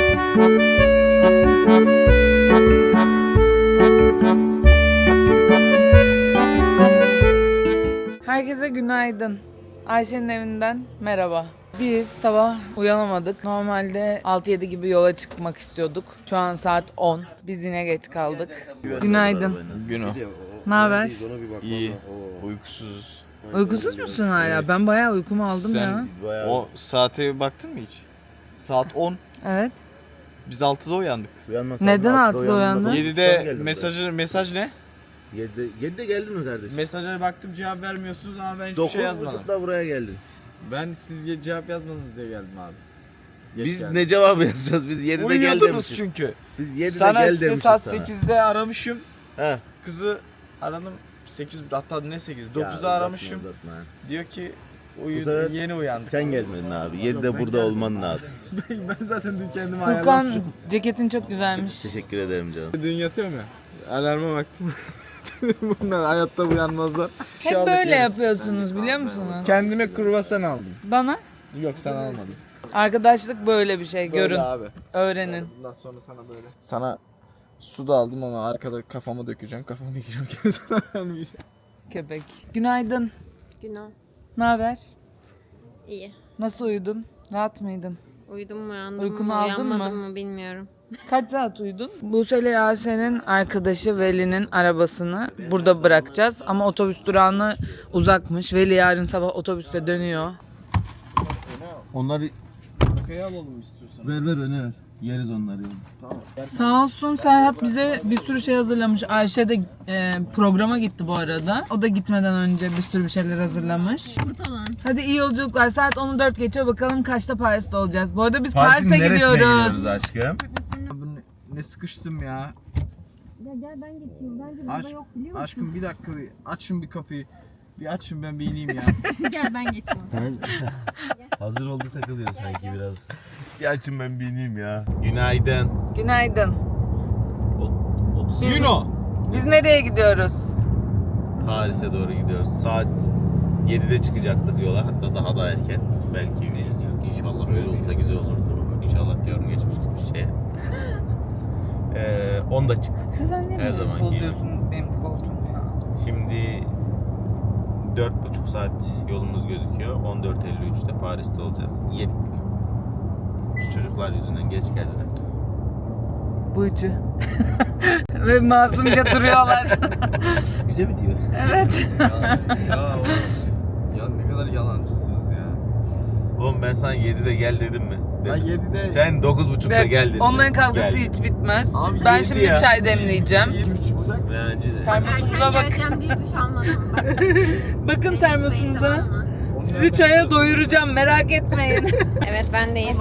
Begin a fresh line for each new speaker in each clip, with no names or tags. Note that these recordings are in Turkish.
Herkese günaydın. Ayşe'nin evinden merhaba. Biz sabah uyanamadık. Normalde 6-7 gibi yola çıkmak istiyorduk. Şu an saat 10. Biz yine geç kaldık. Günaydın.
Günü.
Ne haber?
İyi. Uykusuz.
Uykusuz musun hala? Ben bayağı uykumu aldım ya.
O saate baktın mı hiç? Saat 10.
Evet.
Biz 6'da uyandık.
Neden 6'da uyandın?
7'de mesaj ne?
7'de geldin mi kardeşim?
Mesaja baktım cevap vermiyorsunuz ama ben hiçbir şey yazmadım.
9.30'da buraya geldin.
Ben siz cevap yazmadınız diye geldim abi. Geç
Biz
geldim.
ne cevabı yazacağız? Biz 7'de gel
Uyuyordunuz
demişiz.
çünkü.
Biz 7'de
Sana
gel
size
demişiz
saat
sana.
8'de aramışım.
He.
Kızı aradım. 8 hatta ne 8?
Ya,
9'da
uzatma,
aramışım.
uzatma.
Diyor ki
Bu sefer
yeni uyandık.
Sen gelmedin abi. 7'de
ben
burada
geldim.
olman lazım.
Ben zaten dün kendimi
Furkan
ayarlamışım.
ceketin çok güzelmiş.
Teşekkür ederim canım.
Dün yatıyorum ya. Alarma baktım. Bunlar hayatta uyanmazlar.
Hep böyle yapıyorsunuz biliyor musunuz?
Kendime kruvasan aldım.
Bana
Yok sen almadın.
arkadaşlık böyle bir şey. Görün,
Böyle abi.
öğrenin.
Bundan sonra sana böyle. Sana su da aldım ama arkada kafama dökeceğim. Kafamı dökeceğim. Sana vermeyeceğim.
Köpek. Günaydın.
Günah.
Ne haber?
İyi.
Nasıl uyudun? Rahat mıydın?
Uyudum mu uyandım
Uykunu
mı
aldın
uyanmadım
mı?
mı bilmiyorum.
Kaç saat uyudun? Buse ile Yasemin'in arkadaşı Veli'nin arabasını burada bırakacağız. Ama otobüs durağına uzakmış. Veli yarın sabah otobüste dönüyor.
Onları
Arkaya alalım istiyorsan.
ver öne ver. Yeriz onları.
Tamam.
Sağ olsun Serhat bize bir sürü şey hazırlamış. Ayşe de programa gitti bu arada. O da gitmeden önce bir sürü bir şeyler hazırlamış.
Kurtalan.
Hadi iyi yolculuklar. Saat 10'u 4 geçiyor. Bakalım kaçta Paris'te olacağız. Bu arada biz Paris'e gidiyoruz.
aşkım?
Ne sıkıştım ya.
Ya gel ben geçeyim. Bence burada
Aşk-
yok biliyor musun?
Aşkım bir dakika bir açın bir kapıyı. Bir açın ben bir ineyim ya.
Gel ben geçeyim.
Hazır oldu takılıyor sanki biraz.
Bir açın ben bir ineyim ya. Günaydın.
Günaydın.
30
Yuno.
Biz nereye gidiyoruz?
Paris'e doğru gidiyoruz. Saat 7'de çıkacaktı diyorlar. Hatta daha da erken. Belki inşallah öyle olsa güzel olurdu. İnşallah diyorum geçmiş gitmiş şeye. 10'da çıktık.
Sen niye
Her
böyle
zamanki
bozuyorsun benim koltuğumu ya?
Şimdi 4,5 saat yolumuz gözüküyor. 14.53'te Paris'te olacağız. Yedik. Şu çocuklar yüzünden geç geldiler.
Bıcı. Ve masumca duruyorlar.
Güzel mi diyor?
Evet.
Ya ne kadar yalancısınız ya.
Oğlum ben sana 7'de gel dedim mi?
Ben
Dedim.
7'de
Sen 9.30'da gel dedin.
Onların kavgası
Gel.
hiç bitmez.
Abi
Ben
yedi
şimdi
ya.
çay demleyeceğim.
7 çıksak.
Bence de.
Termosunuza
Erken
bak.
geleceğim diye duş almadım. Bak.
Bakın
Beni
termosunuza.
unutmayın, tamam mı?
Sizi çaya doyuracağım, merak etmeyin.
Evet bendeyiz.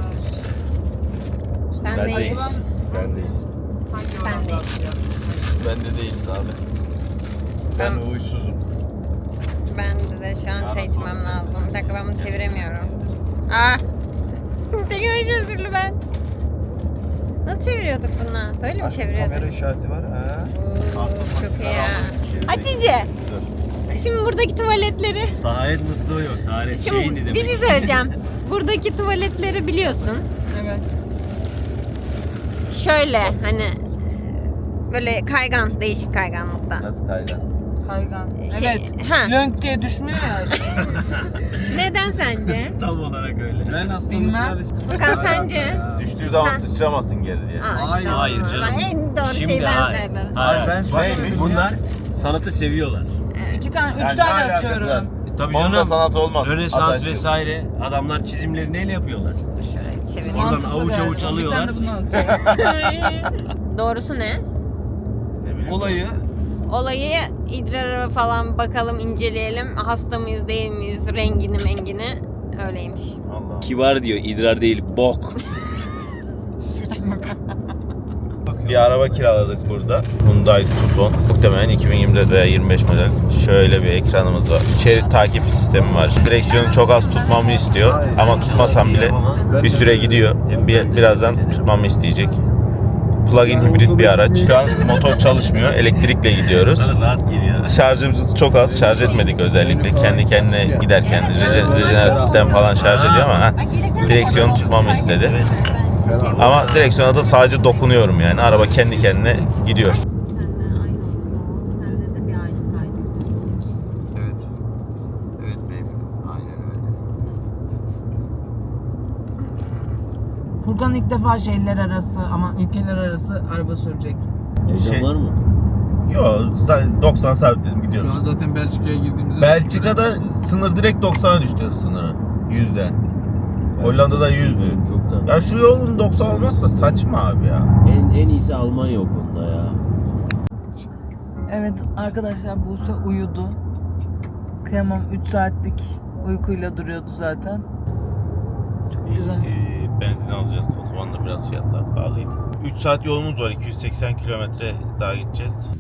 Sen
Ben
deyiz.
deyiz.
Bendeyiz.
Sen deyiz.
Bende değiliz abi.
Ben uysuzum.
Ben de şu an çay içmem lazım. Bir dakika ben bunu çeviremiyorum. Teknoloji özürlü ben. Nasıl çeviriyorduk bunu? Böyle mi çeviriyorduk?
Kamera işareti var ha.
Oo, çok iyi ya. Hatice. Şimdi buradaki tuvaletleri...
Taharet musluğu yok. Taharet şeyini
Şimdi
demek.
bir şey söyleyeceğim. Buradaki tuvaletleri biliyorsun.
Evet.
Şöyle hani böyle kaygan, değişik kayganlıkta.
Nasıl kaygan?
Kaygan.
Şey,
Evet.
ha.
Lönk diye düşmüyor ya.
Neden sence?
Tam olarak öyle.
Ben aslında
Bilmem.
Furkan sence?
Düştüğü zaman
Sen-
sıçramasın geri diye.
Hayır.
Hayır canım.
En doğru
Şimdi
şeyi ben
hayır.
söyledim.
Hayır.
Ben
Neymiş?
Bunlar sanatı seviyorlar.
2 tane, 3
Yani ne
tane
alakası var?
atıyorum.
Tabii
Onun da
canım.
sanat olmaz.
Rönesans
Adaşım.
vesaire. Adamlar çizimleri neyle yapıyorlar?
Şöyle çevireyim.
Oradan
Mantıklı
avuç
değerli.
avuç alıyorlar.
Bir tane de bunu atıyorum.
Doğrusu ne?
Ne bileyim.
Olayı
Olayı idrara falan bakalım, inceleyelim. Hasta mıyız, değil miyiz, rengini mengini. Öyleymiş.
Allah.
Kibar diyor. idrar değil. Bok.
Bir araba kiraladık burada. Hyundai Tucson. Muhtemelen 2024 veya 25 model. Şöyle bir ekranımız var. Şerit takip sistemi var. Direksiyonu çok az tutmamı istiyor. Ama tutmasam bile bir süre gidiyor. Birazdan tutmamı isteyecek. Plug-in hibrit bir araç. Şu an motor çalışmıyor. Elektrikle gidiyoruz.
Sana rahat geliyor.
Şarjımız çok az. Şarj etmedik özellikle. Kendi kendine giderken rejeneratiften falan şarj ediyor ama direksiyonu tutmamı istedi.
Fena.
Ama direksiyona da sadece dokunuyorum yani. Araba kendi kendine gidiyor.
Evet. Evet baby. Aynen öyle.
Furkan ilk defa şehirler arası ama ülkeler arası araba sürecek.
Heyecan
Şey-
var mı?
Yo 90 sabitledim
Şu
gidiyoruz.
an zaten Belçika'ya girdiğimizde...
Belçika'da sınır direkt 90'a düştü sınırı. 100'den. Hollanda'da 100'dü.
Çoktan.
Ya şu yolun 90 olmazsa saçma abi ya.
En iyisi Almanya o konuda ya.
Evet arkadaşlar Buse uyudu. Kıyamam 3 saatlik uykuyla duruyordu zaten. Çok güzel.
Benzin alacağız. Otobanda biraz fiyatlar pahalıydı. 3 saat yolumuz var. 280 kilometre daha gideceğiz.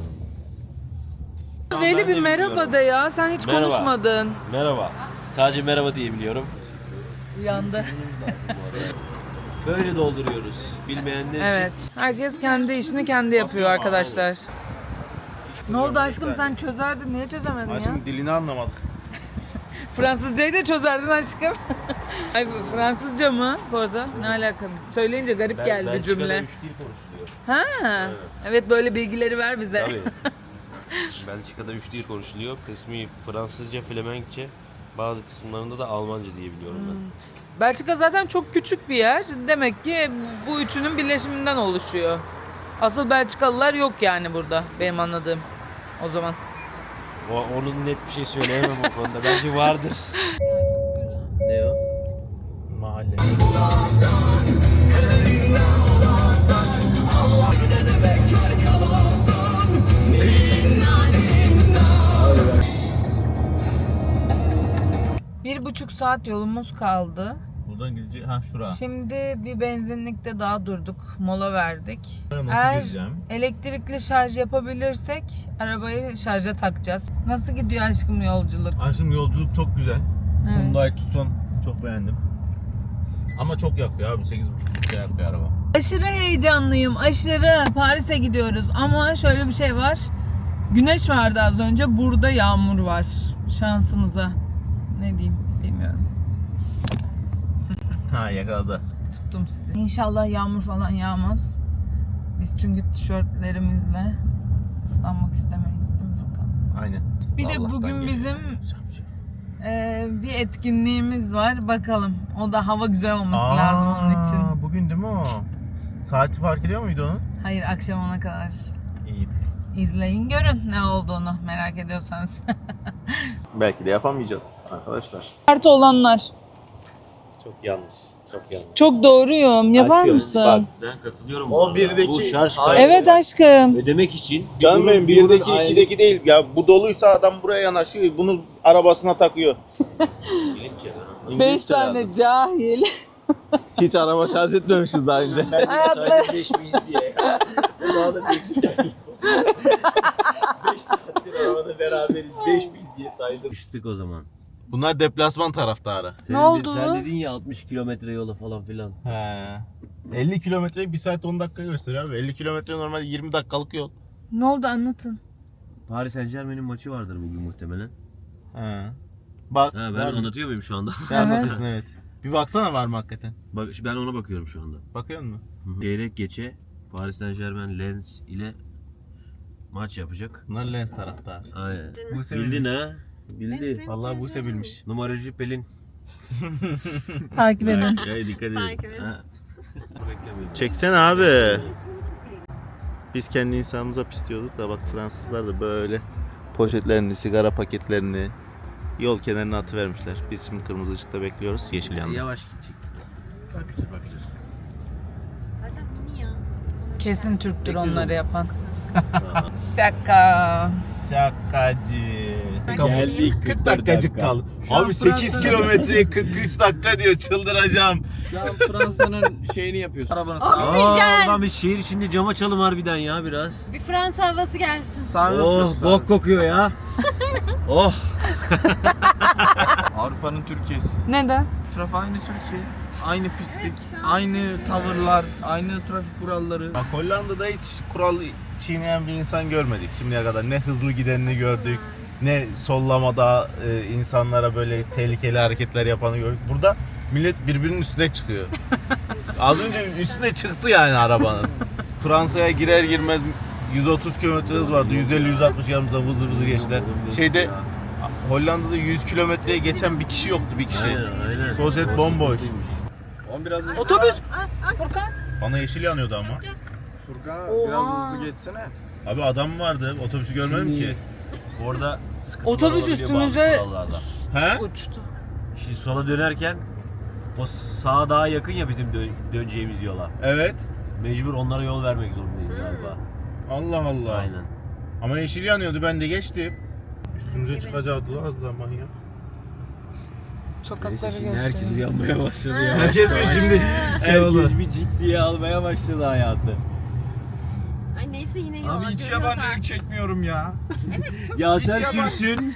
Veli bir merhaba de ya. Sen hiç
Merhaba.
konuşmadın.
Merhaba. Sadece merhaba diyebiliyorum.
Uyandı.
Böyle dolduruyoruz. Bilmeyenler
Evet. Herkes kendi işini kendi yapıyor arkadaşlar. Ne oldu aşkım sen çözerdin. Niye çözemedin ya?
Şimdi dilini anlamadık.
Fransızcayı da çözerdin aşkım. Ay Fransızca mı bu arada? Ne alaka? Söyleyince garip
için.
geldi
Belçika'da
cümle.
3 dil konuşuluyor.
Ha. Evet böyle bilgileri ver bize.
Tabii. Belçika'da 3 dil konuşuluyor. Kısmi Fransızca, Flemenkçe, bazı kısımlarında da Almanca diyebiliyorum ben.
Belçika zaten çok küçük bir yer. Demek ki bu üçünün birleşiminden oluşuyor. Asıl Belçikalılar yok yani burada benim anladığım. O zaman.
Onun net bir şey söyleyemem o konuda. Bence vardır. Ne o?
Mahalle.
Bir buçuk saat yolumuz kaldı.
Buradan gideceğiz. Ha şura.
Şimdi bir benzinlikte daha durduk. Mola verdik.
Buraya nasıl
Eğer
gireceğim?
elektrikli şarj yapabilirsek arabayı şarja takacağız. Nasıl gidiyor aşkım yolculuk?
Aşkım yolculuk çok güzel.
Evet.
Hyundai Tucson çok beğendim. Ama çok yakıyor abi. 8,5 litre yakıyor araba.
Aşırı heyecanlıyım. Aşırı. Paris'e gidiyoruz. Ama şöyle bir şey var. Güneş vardı az önce. Burada yağmur var. Şansımıza. Ne diyeyim bilmiyorum.
Ha yakaladı.
Tuttum sizi. İnşallah yağmur falan yağmaz. Biz çünkü tişörtlerimizle ıslanmak istemeyiz değil mi Furkan?
Aynen.
Bir de
Allah'tan
bugün
geliyor.
bizim bir etkinliğimiz var. Bakalım. O da hava güzel olması lazım onun için.
Bugün değil mi o? Saati fark ediyor muydu onun?
Hayır akşam ona kadar.
İyi.
İzleyin görün ne olduğunu merak ediyorsanız.
Belki de yapamayacağız arkadaşlar.
Kartı olanlar.
Çok yanlış. Çok yanlış.
Çok doğruyum. Yapar
Aşkım,
mısın?
Ben katılıyorum.
O
bu arada.
birdeki-
Bu şarj
Hayır.
kaydı
Evet aşkım.
ödemek için.
Canım benim
bunun
1'deki
ayrı-
2'deki değil. Ya bu doluysa adam buraya yanaşıyor. Bunu arabasına takıyor.
İngilizce.
5 tane cahil.
Hiç araba şarj etmemişiz daha önce.
Hayatta-
Sadece 5 miyiz diye. Daha da bekliyorum. 5 saattir arabada beraberiz. 5 miyiz diye saydım. Düştük o zaman.
Bunlar deplasman taraftarı.
Sen
oldu?
Sen dedin ya 60 kilometre yola falan filan.
He. 50 kilometreyi 1 saat 10 dakika gösteriyor abi. 50 kilometre normalde 20 dakikalık yol.
Ne oldu anlatın.
Paris Saint Germain'in maçı vardır bugün muhtemelen.
He. Bak.
Ha, ben
var mı?
anlatıyor muyum şu anda?
Sen anlatıyorsun evet. Bir baksana var mı hakikaten?
Bak ben ona bakıyorum şu anda.
Bakıyor musun?
Çeyrek geçe Paris Saint Germain Lens ile maç yapacak.
Bunlar Lens taraftarı.
Aynen.
Buse
Bildin
bilmiş.
ha? Bildi.
Vallahi Buse bilmiş.
Numaracı Pelin.
Takip edin.
Ya dikkat edin.
Takip edin.
Ha. Beklemiyorum.
Çeksene abi. Biz kendi insanımıza pis diyorduk da bak Fransızlar da böyle poşetlerini, sigara paketlerini yol kenarına atıvermişler. Biz şimdi kırmızı ışıkta bekliyoruz. Yeşil yandı.
Yavaş gidecek. Bakacağız.
Zaten bunu ya.
Kesin Türktür
Bekliyoruz
onları
onu.
yapan. Şaka.
Şakacı.
Geldik.
40 dakikacık kaldı.
Şu an
Abi 8
Fransa'da-
kilometreye 43 dakika diyor. Çıldıracağım.
Şu an Fransa'nın şeyini yapıyorsun. Arabanı
Aa, lan bir şehir içinde cam açalım harbiden ya biraz.
Bir Fransa havası gelsin.
Oh bok kokuyor ya. Oh.
Avrupa'nın Türkiye'si.
Neden?
Trafik aynı Türkiye. Aynı pislik, aynı tavırlar, aynı trafik kuralları.
Bak Hollanda'da hiç kural çiğneyen bir insan görmedik şimdiye kadar. Ne hızlı gidenini gördük, ne sollamada insanlara böyle tehlikeli hareketler yapanı gördük. Burada millet birbirinin üstüne çıkıyor. Az önce üstüne çıktı yani arabanın. Fransa'ya girer girmez 130 km hız vardı. 150-160 yanımızdan vızır vızır geçtiler. Şeyde Hollanda'da 100 kilometreye geçen bir kişi yoktu, bir kişi.
Aynen.
Sol şerit bomboş.
Otobüs. Furkan.
Bana yeşil yanıyordu ama.
Furkan
Oha.
biraz hızlı geçsene.
Abi adam vardı. Otobüsü görmedim ki.
Orada sıkıntılar
Otobüs
olabiliyor
üstümüze-
bazı kurallarda.
He?
Uçtu.
Şimdi sola dönerken o sağa daha yakın ya bizim döneceğimiz yola.
Evet.
Mecbur onlara yol vermek zorundayız galiba.
Allah Allah.
Aynen.
Ama yeşil yanıyordu, ben de geçtim. Üstümüze çıkacaktı az da manyak.
Sokakları
Şimdi herkes
gösteriyor.
uyanmaya başladı ya.
Herkes mi şimdi şey oldu?
Herkes bir ciddiye almaya başladı hayatı.
Ay neyse yine yola
Abi hiç
görüyoruz
yabancılık çekmiyorum ya.
Ya sen sürsün.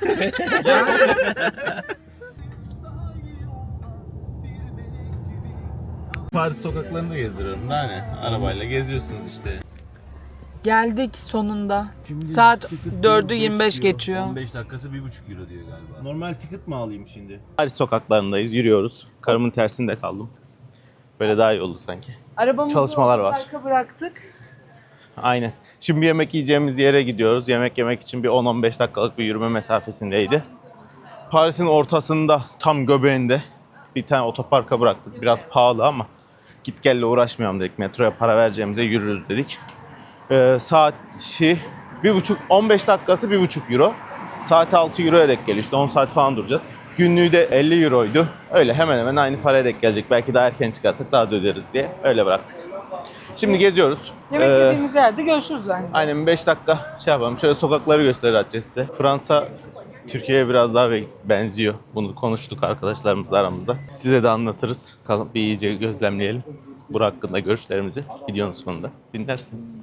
Paris sokaklarında gezdiriyorum. Daha ne? Arabayla geziyorsunuz işte.
Geldik sonunda. Saat 4'ü 25 geçiyor.
15 dakikası 1,5 euro diyor galiba.
Normal ticket mi alayım şimdi? Paris sokaklarındayız, yürüyoruz. Karımın tersinde kaldım. Böyle daha iyi oldu sanki.
Arabamızı
Çalışmalar var.
parka bıraktık.
Aynen. Şimdi bir yemek yiyeceğimiz yere gidiyoruz. Yemek yemek için bir 10-15 dakikalık bir yürüme mesafesindeydi. Paris'in ortasında, tam göbeğinde bir tane otoparka bıraktık. Biraz pahalı ama git gelle uğraşmayalım dedik. Metroya para vereceğimize yürürüz dedik. Saati 15 dakikası 1,5 euro. Saati 6 euroya denk geliyor. İşte 10 saat falan duracağız. Günlüğü de 50 euroydu. Öyle hemen hemen aynı paraya denk gelecek. Belki daha erken çıkarsak daha az öderiz diye öyle bıraktık. Şimdi geziyoruz.
Yemek yediğimiz yerde görüşürüz bence.
Aynen 5 dakika şey yapalım. Şöyle sokakları göstereceğiz size. Fransa Türkiye'ye biraz daha benziyor. Bunu konuştuk arkadaşlarımızla aramızda. Size de anlatırız. Kalıp bir iyice gözlemleyelim. Bu hakkında görüşlerimizi videonun sonunda dinlersiniz.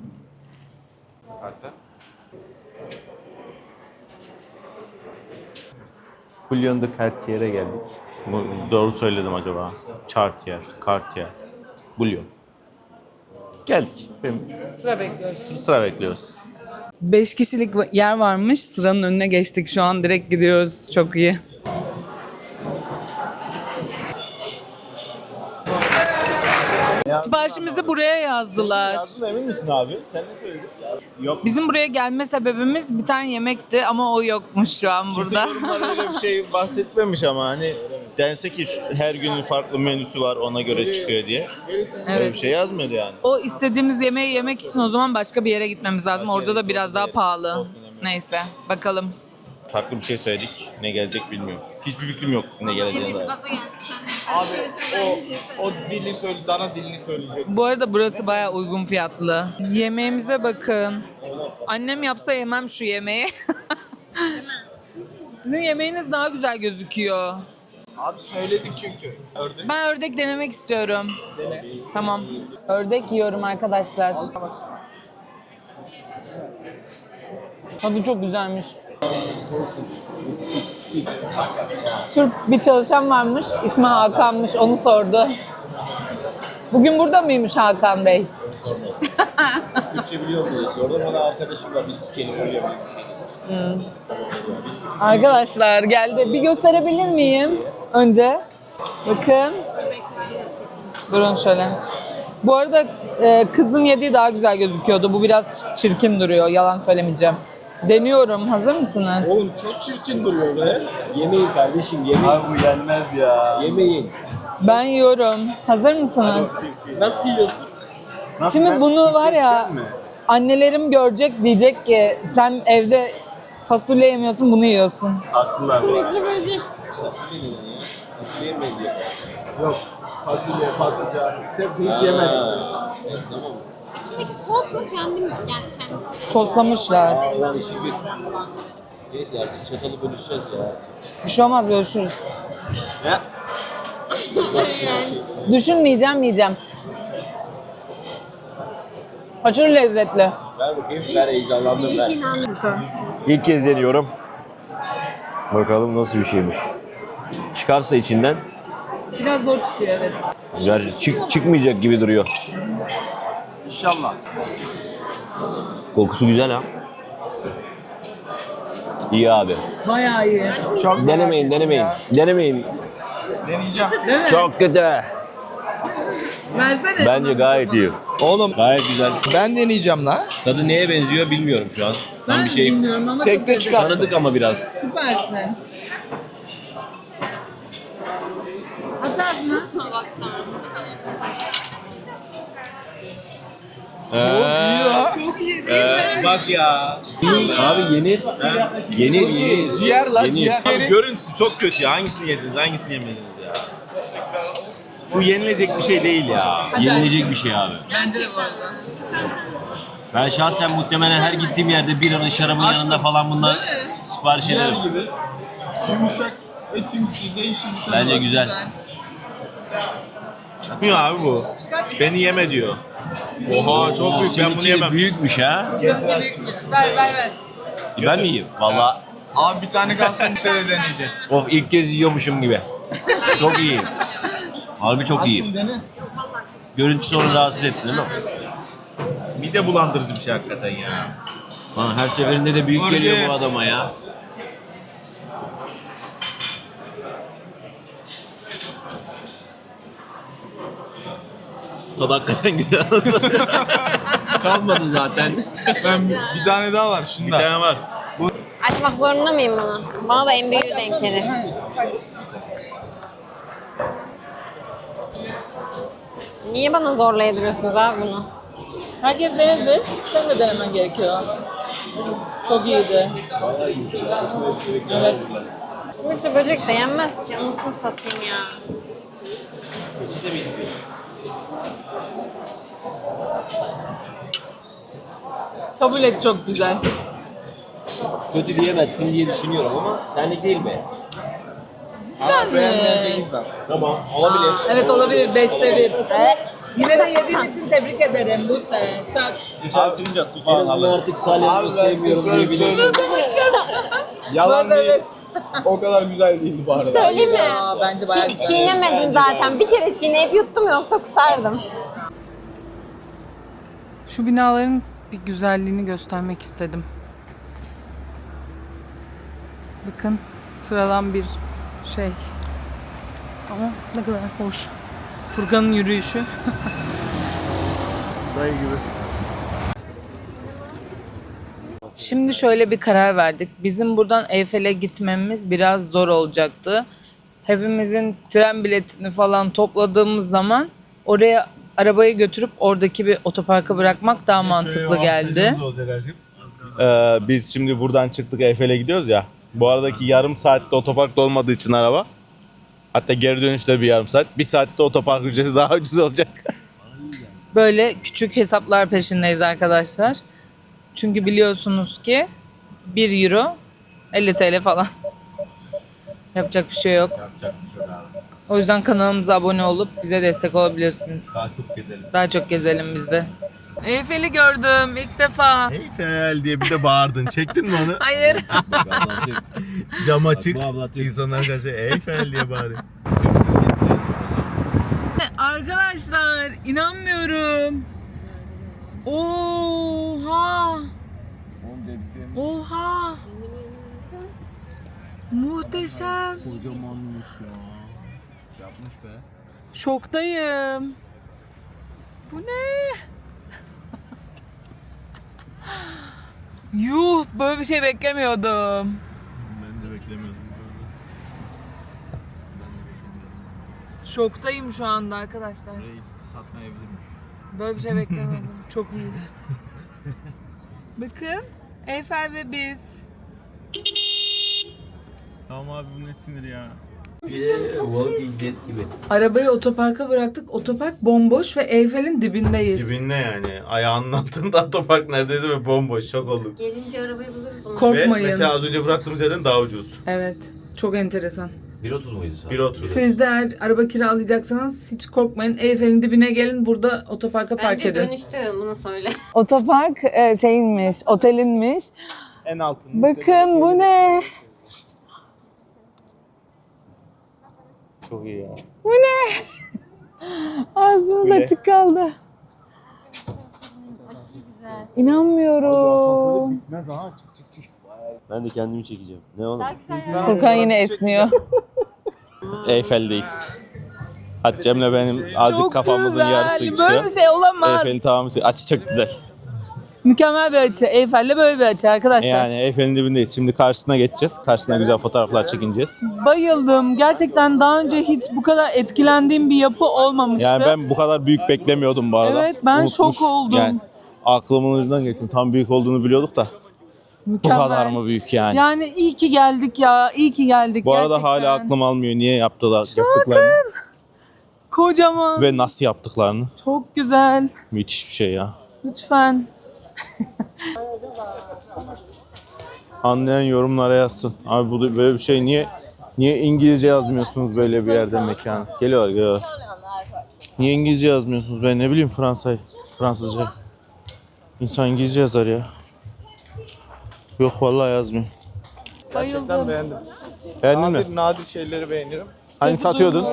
Bouillon de Cartier'e geldik. Doğru söyledim acaba? Cartier. Bouillon. Geldik.
Sıra bekliyoruz.
Sıra bekliyoruz.
5 kişilik yer varmış. Sıranın önüne geçtik. Şu an direkt gidiyoruz. Çok iyi. Siparişimizi buraya yazdılar.
Emin misin abi? Sen ne söyledin? Yok.
Bizim buraya gelme sebebimiz bir tane yemekti ama o yokmuş şu an
Kimse
burada.
yorumlar öyle bir şey bahsetmemiş ama hani dense ki her günün farklı menüsü var ona göre çıkıyor diye. Öyle bir şey yazmıyordu yani.
O istediğimiz yemeği yemek için o zaman başka bir yere gitmemiz lazım. Orada da biraz daha pahalı. Neyse bakalım.
Farklı bir şey söyledik. Ne gelecek bilmiyorum. Hiçbir fikrim yok ne geleceğine dair.
Abi o dili söyle, dana dilini söyleyecek.
Bu arada burası bayağı uygun fiyatlı. Yemeğimize bakın. Annem yapsa yemem şu yemeği. Sizin yemeğiniz daha güzel gözüküyor.
Abi söyledik çünkü. Ördek.
Ben ördek denemek istiyorum. Tamam. Ördek yiyorum arkadaşlar. Tadı çok güzelmiş. Türk bir çalışan varmış, ismi Hakan'mış, onu sordu. Bugün burada mıymış Hakan Bey?
Türkçe biliyor musunuz? Sordum bana arkadaşımla biz kelime öğrenmeyiz.
Arkadaşlar geldi. Bir gösterebilir miyim önce? Bakın. Durun şöyle. Bu arada kızın yediği daha güzel gözüküyordu. Bu biraz çirkin duruyor. Yalan söylemeyeceğim. Deniyorum. Hazır mısınız?
Oğlum çok çirkin duruyor be.
Yemeyin kardeşim yemeyin.
Abi bu yenmez ya.
Yemeyin.
Ben yiyorum. Hazır mısınız?
Nasıl yiyorsun?
Şimdi bunu var ya annelerim görecek diyecek ki sen evde fasulye yemiyorsun bunu yiyorsun.
Haklılar.
Nasıl yemeyin diye.
Yok. Fasulye, patlıcan. Sen hiç yemedin.
İçindeki sos mu kendim yani kendisi?
Soslamışlar.
Allah'ın işi bir. Neyse artık çatalı bölüşeceğiz ya.
Bir şey olmaz görüşürüz.
Ya.
Düşünmeyeceğim yiyeceğim. Aşırı lezzetli.
Ver bakayım. Ver heyecanlandım ver. İlk kez deniyorum. Bakalım nasıl bir şeymiş. Çıkarsa içinden.
Biraz zor çıkıyor evet.
Gerçi çıkmayacak gibi duruyor.
İnşallah.
Kokusu güzel ha. İyi abi.
Bayağı iyi.
Denemeyin. Denemeyin.
Deneyeceğim.
Değil mi?
Çok kötü.
Versene.
Bence gayet iyi.
Oğlum
Gayet güzel.
ben deneyeceğim la.
Tadı neye benziyor bilmiyorum şu an. Tam
Ben
bir şey
bilmiyorum ama
Tek
çok
de
lezzetli.
çıkar.
tanıdık ama biraz.
Süpersin. At ağzına.
Şuna baksana.
Çok iyi değil mi?
Bak ya.
Abi yenir. Yenir.
Ciğer la
Yenir.
ciğer.
Abi görüntüsü çok kötü ya. Hangisini yediniz, hangisini yemediniz ya? Bu yenilecek bir şey değil ya.
Yenilecek bir şey abi.
Bence de bu arada.
Ben şahsen muhtemelen her gittiğim yerde biranın şarabın yanında falan bundan sipariş ederim.
Yumuşak etimsi değişik.
Bence güzel.
Çıkmıyor abi bu. Beni yeme diyor. Oha çok büyük, ben bunu
Seninki de
yemem.
büyükmüş ha.
Ver.
Ben mi yiyeyim? Valla
Abi bir tane kalsın şöyle deneyeceğim.
ilk kez yiyormuşum gibi. Çok iyi. Harbi çok iyi. Görüntüsü onu rahatsız etti değil mi?
Mide bulandırıcı bir şey hakikaten ya.
Lan her seferinde de büyük geliyor bu adama ya.
Tadı hakikaten güzel.
Kalmadı zaten.
Ben bir tane daha var
Bir
şunda.
tane var.
Açmak zorunda mıyım bunu? Bana da en büyüğü denk gelir. Niye bana zorla yediriyorsunuz abi bunu?
Herkes denedi. Sen de denemen gerekiyor. Çok iyiydi. Evet.
Sümüklü böcek de yenmez ki. Anasını satayım ya.
Kabul et, çok güzel.
Kötü diyemezsin diye düşünüyorum ama senlik değil mi?
Cidden mi?
Tamam olabilir.
Evet olabilir. 5'te 1. Yine de yediğin için tebrik ederim Buse. Çak.
Dışarı çıkınca su
En
falan
azından
alır.
artık salyamı sevmiyorum diyebilirsin.
Yalan
Ben de
değil.
evet.
O kadar güzel değildi bu arada.
Söyleyeyim mi?
Ya, bence bayağı güzel.
Çiğnemedim zaten. Bir kere çiğneyip yuttum yoksa kusardım.
Şu binaların bir güzelliğini göstermek istedim. Bakın sıradan bir şey. Ama ne kadar hoş. Furkan'ın yürüyüşü.
Dayı gibi.
Şimdi şöyle bir karar verdik. Bizim buradan Eyfel'e gitmemiz biraz zor olacaktı. Hepimizin tren biletini falan topladığımız zaman oraya arabayı götürüp oradaki bir otoparka bırakmak daha mantıklı geldi.
Biz şimdi buradan çıktık, Eyfel'e gidiyoruz ya. Bu aradaki yarım saatte otoparkta olmadığı için araba. Hatta geri dönüşte bir yarım saat. Bir saatte otopark ücreti daha ucuz olacak.
Böyle küçük hesaplar peşindeyiz arkadaşlar. Çünkü biliyorsunuz ki 1 euro 50 TL falan. Yapacak bir şey yok.
Yapacak bir şey yok abi.
O yüzden kanalımıza abone olup bize destek olabilirsiniz.
Daha çok gezelim.
Daha çok gezelim biz de. Eyfel'i gördüm ilk defa.
Eyfel diye bir de bağırdın. Çektin mi onu?
Hayır.
Cam açık.
Bu ablatıyor.
İnsanlar karşı Eyfel diye bağırıyor.
Arkadaşlar inanmıyorum. Oha. Oha. Muhteşem.
Kocamanmış ya. Yapmış be.
Şoktayım. Bu ne? Yuh, böyle bir şey beklemiyordum.
Ben de beklemiyordum.
Şoktayım şu anda arkadaşlar.
Reis satmayabilirmiş.
Böyle bir şey beklemiyordum. Çok iyi. Bakın, Eyfel ve biz.
Tamam abi, bu ne sinir ya.
Walking Dead gibi.
Arabayı otoparka bıraktık. Otopark bomboş ve Eyfel'in dibindeyiz.
Dibinde yani. Ayağının altında otopark neredeyse ve bomboş. Şok olduk.
Gelince arabayı buluruz ama.
Ve
Korkmayın.
mesela az önce bıraktığımız yerden daha ucuz.
Evet, çok enteresan.
1.30 muydu saat?
1.30.
Siz de eğer araba kiralayacaksanız hiç korkmayın. Eyfel'in dibine gelin, burada otoparka park
Bence
edin.
dönüşte bunu söyle.
Otopark şeyinmiş, otelinmiş.
En altında.
Bakın bu ne?
Çok iyi ya.
Bu ne? Ağzımız
Bu ne?
açık kaldı. İnanmıyorum.
Ne zaman çık.
Ben de kendimi çekeceğim. Ne oğlum?
Furkan yine esniyor.
Eyfel'deyiz. Hatice'mle benim azıcık
Çok
kafamızın
güzel.
yarısı çıkıyor.
Böyle bir şey olamaz.
Eyfel'in tamamı açı çok güzel.
Mükemmel bir açı. Eyfel'le böyle bir açı arkadaşlar.
Yani Eyfel'in dibindeyiz. Şimdi karşısına geçeceğiz. Karşısına güzel fotoğraflar çekineceğiz.
Bayıldım. Gerçekten daha önce hiç bu kadar etkilendiğim bir yapı olmamıştı.
Yani ben bu kadar büyük beklemiyordum bu arada.
Evet, ben şok oldum.
Yani aklımın ucundan geçtim. Tam büyük olduğunu biliyorduk da.
Mükemmel.
Bu kadar mı büyük yani?
Yani iyi ki geldik ya. İyi ki geldik.
Bu arada
gerçekten.
hala aklım almıyor niye yaptıklarını
Kocaman.
ve nasıl yaptıklarını.
Çok güzel.
Müthiş bir şey ya.
Lütfen.
Anlayan yorumlara yazsın. Abi bu böyle bir şey niye İngilizce yazmıyorsunuz böyle bir yerde mekan? Geliyorlar. Niye İngilizce yazmıyorsunuz? Ben ne bileyim Fransızca. İnsan İngilizce yazar ya. Yok vallahi yazmıyor.
Gerçekten beğendim.
Beğendin mi?
Nadir şeyleri beğenirim.
Hani satıyordun?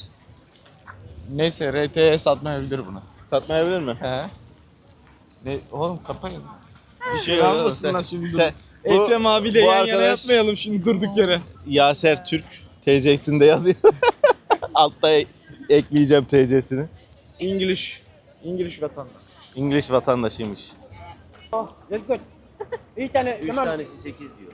Neyse RT'ye satmayabilir bunu.
Satmayabilir mi?
He. Ne oğlum kapayın.
Bir şey
Almasınlar şimdi.
bu-
Ekrem abiyle
bu
yan yana
arkadaş-
yapmayalım şimdi durduk yere.
Yaser Türk TC'sinde yazıyor. Altta ekleyeceğim TC'sini.
English vatandaş.
İngiliz vatandaşıymış.
Üç tanesi 8 diyor.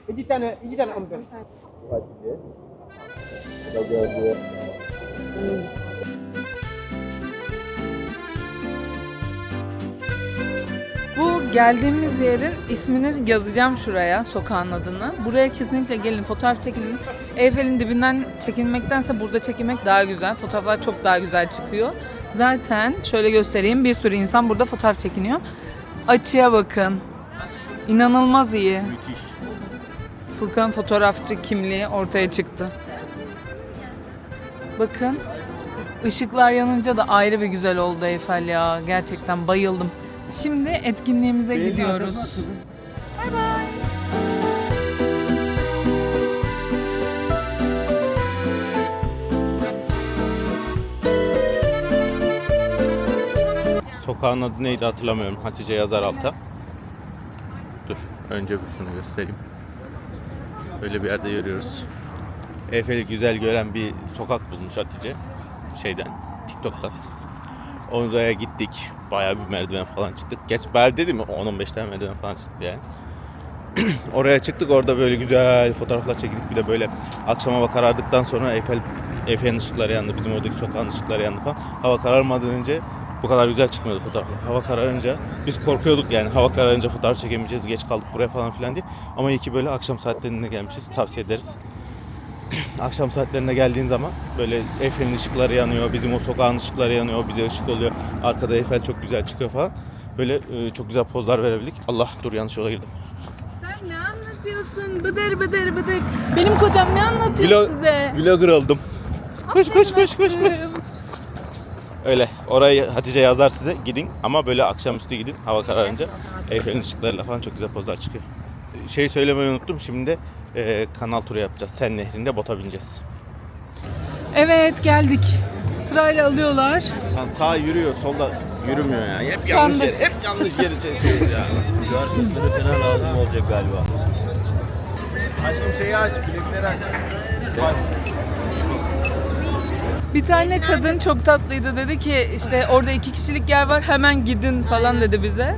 Bu geldiğimiz yerin ismini yazacağım şuraya, sokağın adını. Buraya kesinlikle gelin, fotoğraf çekilin. Eyfel'in dibinden çekilmektense burada çekilmek daha güzel. Fotoğraflar çok daha güzel çıkıyor. Zaten şöyle göstereyim, bir sürü insan burada fotoğraf çekiniyor. Açıya bakın. İnanılmaz iyi.
Müthiş.
Furkan fotoğrafçı kimliği ortaya çıktı. Bakın. Işıklar yanınca da ayrı bir güzel oldu Eyfel ya. Gerçekten bayıldım. Şimdi etkinliğimize gidiyoruz. Bay bay.
Sokağın adı neydi hatırlamıyorum. Hatice yazar alta. Dur. Önce bir şunu göstereyim. Böyle bir yerde yürüyoruz. Eyfel'i güzel gören bir sokak bulmuş Hatice. TikTok'tan. Oraya gittik. Bayağı bir merdiven falan çıktık. Geç bayağı dedim mi? 10-15 tane merdiven falan çıktık yani. Oraya çıktık. Orada böyle güzel fotoğraflar çekildik. Bir de böyle akşama hava karardıktan sonra Eyfel'in ışıkları yandı. Bizim oradaki sokağın ışıkları yandı falan. Hava kararmadan önce bu kadar güzel çıkmıyordu fotoğraflar. Hava kararınca biz korkuyorduk yani. Hava kararınca fotoğraf çekemeyeceğiz. Geç kaldık buraya falan filan diye. Ama iyi ki böyle akşam saatlerinde gelmişiz. Tavsiye ederiz. Akşam saatlerine geldiğin zaman böyle Eyfel'in ışıkları yanıyor, bizim o sokağın ışıkları yanıyor, bize ışık oluyor. Arkada Eyfel çok güzel çıkıyor falan. Böyle çok güzel pozlar verebildik. Allah dur yanlış yola girdim.
Sen ne anlatıyorsun? Bıdır bıdır bıdır. Benim kocam ne anlatıyor size?
Vlogger oldum. Koş. Öyle. Orayı Hatice yazar size. Gidin ama böyle akşamüstü gidin. Hava kararınca Eyfel'in ışıklarıyla falan çok güzel pozlar çıkıyor. Şey söylemeyi unuttum. Şimdi kanal turu yapacağız. Sen Nehri'nde bota bineceğiz.
Evet geldik. Sırayla alıyorlar.
Lan sağ yürüyor, solda yürümüyor ya. Hep
Sandık.
yanlış yeri çekiyoruz ya.
Cumartesileri falan lazım olacak galiba.
Aşkım şeyi aç, bilekleri aç.
Bir tane kadın çok tatlıydı, dedi ki işte orada 2 kişilik yer var, hemen gidin falan dedi bize.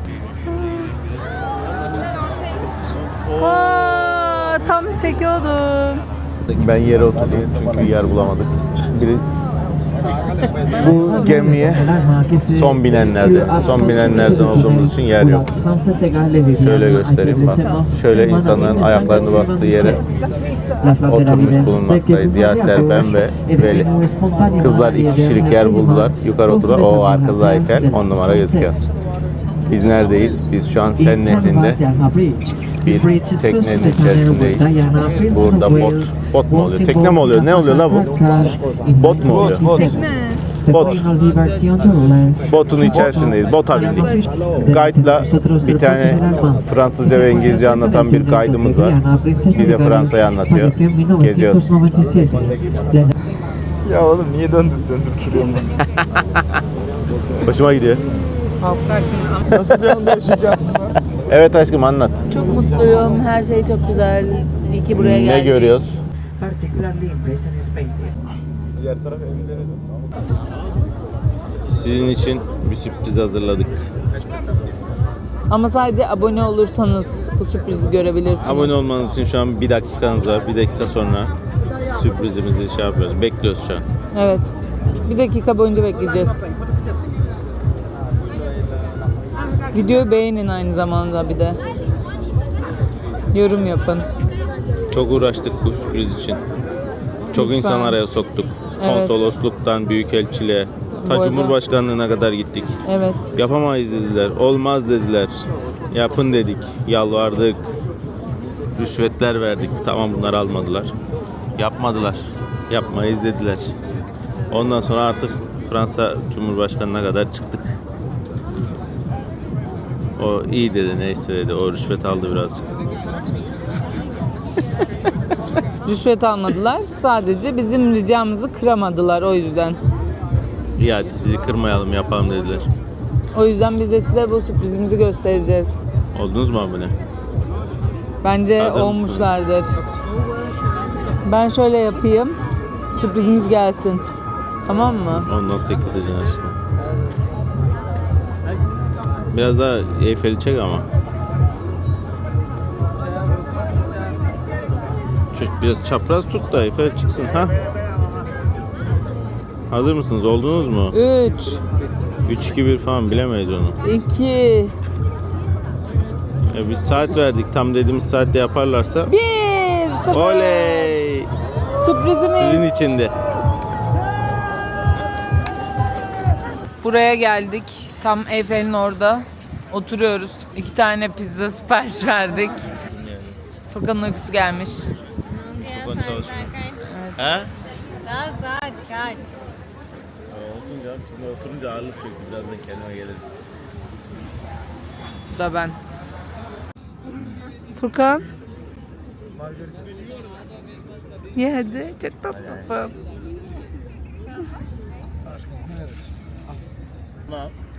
Aa, tam çekiyordum.
Ben yere oturdum çünkü yer bulamadık. Bu gemiye son binenlerden olduğumuz için yer yok. Şöyle göstereyim bak. Şöyle insanların ayaklarını bastığı yere oturmuş bulunmaktayız. Yaser, ben ve Veli. Kızlar 2 kişilik yer buldular. Yukarı oturdular. O arkada Eyfel 10 numara gözüküyor. Biz neredeyiz? Biz şu an Sen Nehri'nde bir teknenin içerisindeyiz. Burada bot mu oluyor? Tekne mi oluyor? Ne oluyor la bu? Bot mu oluyor? Bot. Botun içerisindeyiz. Bota bindik. Guide'la bir tane Fransızca ve İngilizce anlatan bir guide'ımız var. Bize Fransa'yı anlatıyor. Geziyoruz.
Ya oğlum niye döndürüp duruyorum
Hoşuma gidiyor.
Nasıl bir anda yaşayacağım?
Evet aşkım anlat.
Çok mutluyum, her şey çok güzel. İyi ki buraya geldik.
Ne görüyoruz?
particularly impression is painting.
Diğer taraf evlere dön.
Sizin için bir sürpriz hazırladık.
Ama sadece abone olursanız bu sürprizi görebilirsiniz.
Abone olmanız için şu an 1 dakikanız var. 1 dakika sonra sürprizimizi şey yapıyoruz. Bekliyoruz şu an.
Evet. 1 dakika boyunca bekleyeceğiz. Videoyu beğenin aynı zamanda bir de. Yorum yapın.
Çok uğraştık bu sürpriz için. Çok
Lütfen.
insan araya soktuk.
Evet.
Konsolosluktan büyükelçiliğe,
Bu
ta
arada-
Cumhurbaşkanlığına kadar gittik.
Evet.
Yapamayız dediler, olmaz dediler. Yapın dedik, yalvardık. Rüşvetler verdik. Tamam, bunları almadılar. Yapmadılar. Yapmayız dediler. Ondan sonra artık Fransa Cumhurbaşkanı'na kadar çıktık. O iyi dedi, neyse dedi. O rüşvet aldı birazcık.
Rüşvet almadılar. Sadece bizim ricamızı kıramadılar o yüzden.
İyi, hadi sizi kırmayalım, yapalım dediler.
O yüzden biz de size bu sürprizimizi göstereceğiz.
Oldunuz mu abone?
Bence
Hazır
olmuşlardır. Ben şöyle yapayım. Sürprizimiz gelsin. Tamam mı?
Onu nasıl tek edeceksin aşkım? Biraz daha Eyfel'i çek ama. Şu biraz çapraz tut da Eyfel çıksın. Ha? Hazır mısınız? Oldunuz mu?
3,
3-2-1 falan bilemeyiz onu.
2,
Biz saat verdik. Tam dediğimiz saatte yaparlarsa.
1, 0.
Oley!
Sürprizimiz.
Sizin içindi.
Buraya geldik. Tam Eyfel'in orada. Oturuyoruz. 2 tane pizza sipariş verdik. Furkan'ın uykusu gelmiş.
Furkan çalışmıyor. He?
Daha saat kaç?
Olsun canım. Şimdi oturunca ağırlık çöktü. Birazdan kendime gelirim.
Bu da ben. Furkan. Ye hadi. Çok tatlısın.
Tamam.